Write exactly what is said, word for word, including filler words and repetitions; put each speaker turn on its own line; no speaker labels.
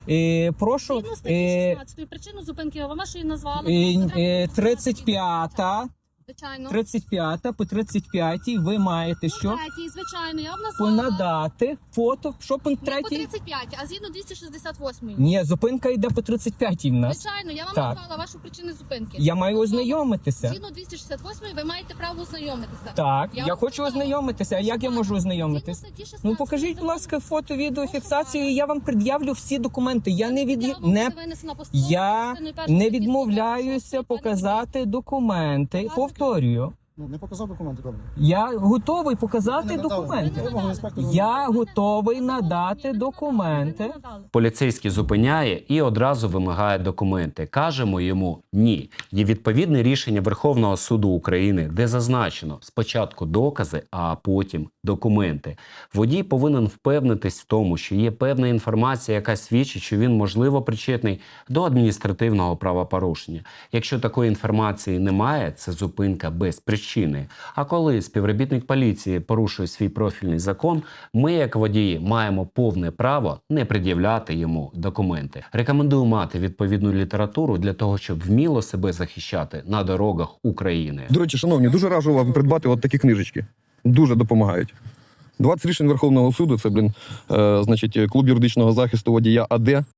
Е, прошу,
Згідно статті
е,
шістнадцятої причину зупинки ви вашої назвали.
е, е, тридцять п'ята,
Звичайно.
тридцять п'ята по тридцять п'ятій ви маєте що?
По третій, звичайно, я вам назвала.
Понадати фото. Що пункт
Не по
третій?
тридцять п'ятій, а згідно двісті шістдесят восьмій.
Ні, зупинка йде по тридцять п'ятій в нас.
Звичайно, я вам
Так.
назвала вашу причину зупинки.
Я маю
Назвала.
ознайомитися.
Згідно двісті шістдесят восьмій ви маєте право ознайомитися.
Так, я,
Я
хочу
вам
ознайомитися. А як я можу
Згідно
ознайомитись?
статті шістнадцятої
Ну покажіть, будь
закону.
ласка, фото, відео, фіксацію, і я вам пред'явлю всі документи. Я не від
Я вам
не
буде винесена постанова
я
частиною першою
не
статті
відмовляюся
сто двадцять шість.
показати документи. Повторюю,
Ну, не показав документи, добре.
я готовий показати
Ви не надали.
документи.
Вимогу інспектора.
Я готовий
Ви не
надати
надали,
документи.
ви не надали.
Поліцейський зупиняє і одразу вимагає документи. Кажемо йому ні. Є відповідне рішення Верховного суду України, де зазначено спочатку докази, а потім документи. Водій повинен впевнитись в тому, що є певна інформація, яка свідчить, що він можливо причетний до адміністративного правопорушення. Якщо такої інформації немає, це зупинка без причини. А коли співробітник поліції порушує свій профільний закон, ми, як водії, маємо повне право не пред'являти йому документи. Рекомендую мати відповідну літературу для того, щоб вміло себе захищати на дорогах України.
До речі, шановні, дуже раджу вам придбати от такі книжечки. Дуже допомагають. двадцять рішень Верховного суду, це, блін, е, значить, клуб юридичного захисту водія АД.